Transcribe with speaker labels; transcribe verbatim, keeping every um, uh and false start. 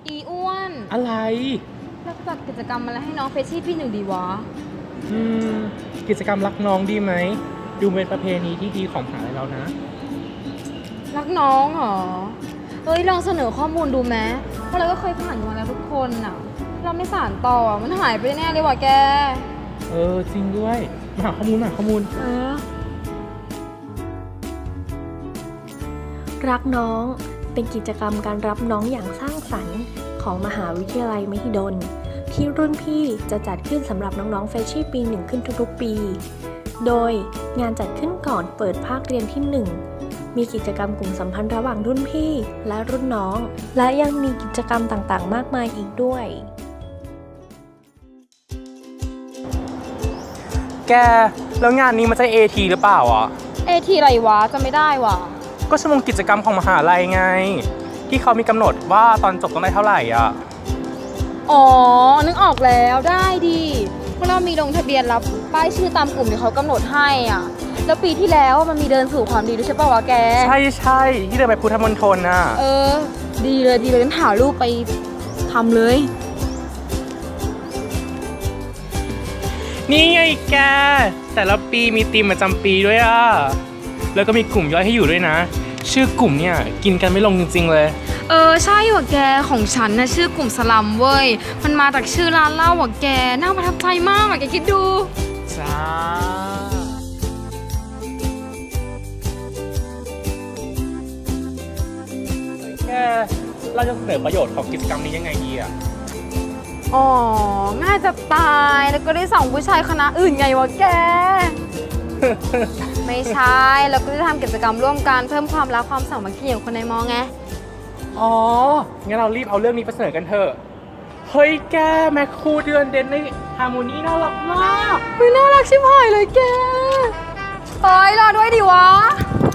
Speaker 1: อีอ้วน
Speaker 2: อะไร
Speaker 1: เราจัดกิจกรรมอะไรให้น้องเฟชชี่ปีหนึ่งดีวะ
Speaker 2: อืมกิจกรรมรักน้องดีไหมดูเป็นประเพณีที่ดีของมหาลัยเรานะ
Speaker 1: รักน้องเหรอเอ้ยลองเสนอข้อมูลดูไหมเพราะเราก็เคยผ่านกันมาแล้วทุกคนอ่ะเราไม่สานต่อมันหายไปแน่เลยว่ะแก
Speaker 2: เออจริงด้วยมาหาข้อมูลมาข้อมูล
Speaker 1: เออ
Speaker 3: รักน้องเป็นกิจกรรมการรับน้องอย่างสร้างสรรค์ของมหาวิทยาลัยมหิดลที่รุ่นพี่จะจัดขึ้นสำหรับน้องๆเฟรชชี่ปีหนึ่งขึ้นทุกๆปีโดยงานจัดขึ้นก่อนเปิดภาคเรียนที่หนึ่งมีกิจกรรมกลุ่มสัมพันธ์ระหว่างรุ่นพี่และรุ่นน้องและยังมีกิจกรรมต่างๆมากมายอีกด้วย
Speaker 2: แกแล้วงานนี้มันจะ เอ ที หรือเปล่าอ่ะ
Speaker 1: เอทีอะไรวะจะไม่ได้วะ
Speaker 2: ก็ชั่วโมงกิจกรรมของมหาลัยไงที่เขามีกำหนดว่าตอนจบต้องได้เท่าไหร่อ่ะ
Speaker 1: อ๋อนึกออกแล้วได้ดีเพราะเรามีลงทะเบียนรับป้ายชื่อตามกลุ่มที่เขากำหนดให้อ่ะแล้วปีที่แล้วมันมีเดินสู่ความดีด้วยใช่ป่าววะแก
Speaker 2: ใช่ใช่ที่เดินไปพุทธมณฑลน่ะ
Speaker 1: เออดีเลยดีเลยงั้นถ่ายรูปไปทำเลย
Speaker 2: นี่ไงแกแต่ละปีมีธีมประจำปีด้วยอ่ะแล้วก็มีกลุ่มย่อยให้อยู่ด้วยนะชื่อกลุ่มเนี่ยกินกันไม่ลงจริงๆเลย
Speaker 1: เออใช่ว่ะแกของฉันนะชื่อกลุ่มสลัมเว้ยมันมาจากชื่อร้านเหล้าว่ะแกน่าประทับใจมากว่ะแกคิดดู
Speaker 2: จ้าแกเราจะเสนอประโยชน์ของกิจกรรมนี้ยังไงดีอ่ะ
Speaker 1: อ๋อง่ายจะตายแล้วก็ได้ส่องผู้ชายคณะอื่นไงวะแก ไม่ใช่แล้วก็ได้ทำกิจกรรมร่วมกันเพิ่มความรักความสามัคคีของคนในมอไง
Speaker 2: อ๋องั้นเรารีบเอาเรื่องนี้ไปเสนอกันเถอะเฮ้ยแกแมคคูเดือนเด่นในฮาร์โมนีน่ารักมาก
Speaker 1: ไม่น่ารักชิบหายเลยแกเฮ้ยรอด้วยดิวะ